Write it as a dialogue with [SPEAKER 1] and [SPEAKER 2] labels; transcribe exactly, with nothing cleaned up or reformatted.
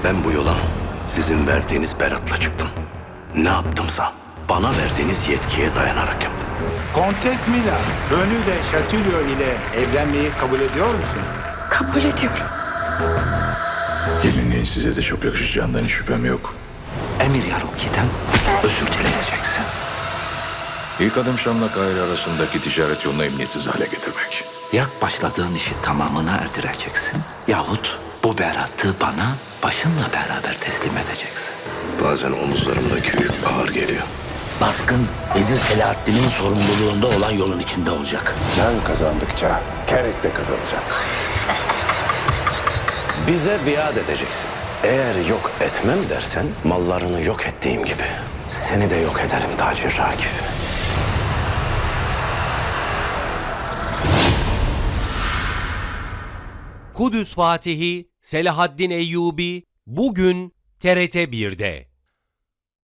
[SPEAKER 1] Ben bu yola sizin verdiğiniz beratla çıktım. Ne yaptımsa bana verdiğiniz yetkiye dayanarak yaptım.
[SPEAKER 2] Kontes Mila, Rönü de Chatillon ile evlenmeyi kabul ediyor musun?
[SPEAKER 3] Kabul ediyorum.
[SPEAKER 4] Gelinliğin size de çok yakışacağından hiç şüphem yok.
[SPEAKER 1] Emir Yaruki'den özür dileyeceksin.
[SPEAKER 4] İlk adım Şam'la Kahire arasındaki ticaret yolunu emniyetsiz hale getirmek.
[SPEAKER 1] Ya başladığın işi tamamına erdireceksin yahut bu beratı bana başınla beraber teslim edeceksin. Bazen omuzlarımdaki yük ağır geliyor.
[SPEAKER 5] Baskın, Vezir Selahaddin'in sorumluluğunda olan yolun içinde olacak.
[SPEAKER 1] Sen kazandıkça Kerek de kazanacak. Bize biat edeceksin. Eğer yok etmem dersen mallarını yok ettiğim gibi seni de yok ederim Tacir Rakip.
[SPEAKER 6] Kudüs Fatihi Selahaddin Eyyubi bugün T R T bir'de.